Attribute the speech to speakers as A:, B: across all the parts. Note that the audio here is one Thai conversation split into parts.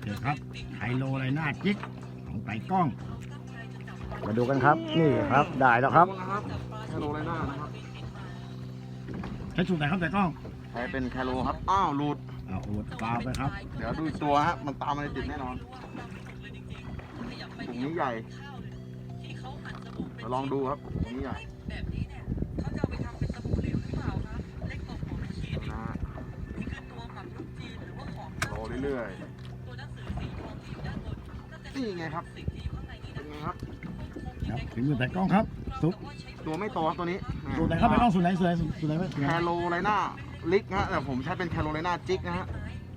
A: เคครับไฮโลไรน่าจิกของไต่กล้องมาดูกันครับนี่ครับได้แล้วครับ
B: แคโรไลนานะครับ
A: ใช้สูตรไหนครับไต่กล้อง
B: ใช้เป็นแคโรครับอ้าวหลุด
A: เอาอุดฟาวไปครับ
B: เดี๋ยวดูอีกตัวฮะมันตามมาในติดแน่นอนถุงนี้ใหญ่เดี๋ยวลองดูครับถุงนี้ใหญ่นะฮะรอเรื่อยๆนี่ไงครับเป็นไงครับ
A: ครับถึงมือไต่กล้องครับซุป
B: ตัวไม่โตครับตัวนี้
A: สูตรไหนครับไต่กล้องสูตรไหนสูตรไหนสูตรไหน
B: แคโรไลนาลิกฮะแต่ผมใช้เป็นแคโรไลนาจิกนะฮะ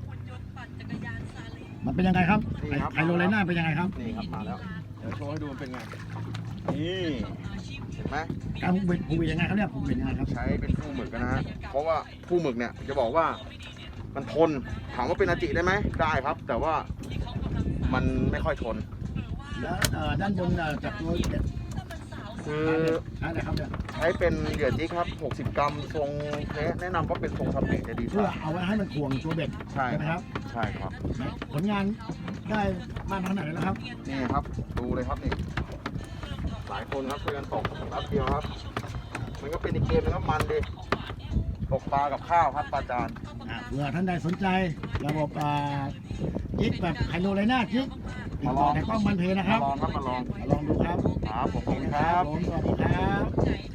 A: มันเป็นยังไงครับ
B: นี่ครับ
A: ไฮโลไรน่าเป็นยังไงครับ
B: นี่ครับมาแล้วเดี๋ยวโชว์ให้ดูมันเป็นไงนี่เห็นไหม
A: การผูกเบ็ดยังไงครับเนี่ยผูกเบ็ดยังไงครับ
B: ใช้เป็นคู่หมึกนะฮะ เพราะว่าคู่หมึกเนี่ยจะบอกว่ามันทน ถามว่าเป็นอาจิได้ไหมได้ครับ แต่ว่ามันไม่ค่อยทน
A: แล้วด้านบนจากตัวเบ็ด
B: คือ
A: ใช้อะไรครับเนี่ย
B: ใช้เป็นเหยื่อจิ๊กครับ 60 กรัมทรงแนะนำว่าเป็นทรงสเปกจะดีก
A: เพื่อ
B: ว่า
A: เอาไว้ให้มันถ่วงตัวเบ็ด
B: ใช่
A: ไหมครับ
B: ใช่ครับ
A: ผลงานได้มากขนาดไหนแล้วครับ
B: นี่ครับ ดูเลยครับนี่ หลายคนครับช่วยกันตกแป๊บเดียวครับ มันก็เป็นอีกเกมนึงครับมันดิตกปลากับข้าวครับปลาจาน
A: เผื่อท่านใดสนใจระบบจิกแบบไฮโลไรน่าจิกติดต่อแต่กล้องมันเพนะครับ
B: มาลองครับมาลอง
A: ลองดูครับ
B: ครับผมขอบคุณครับ
A: ผมสวัสดีครับ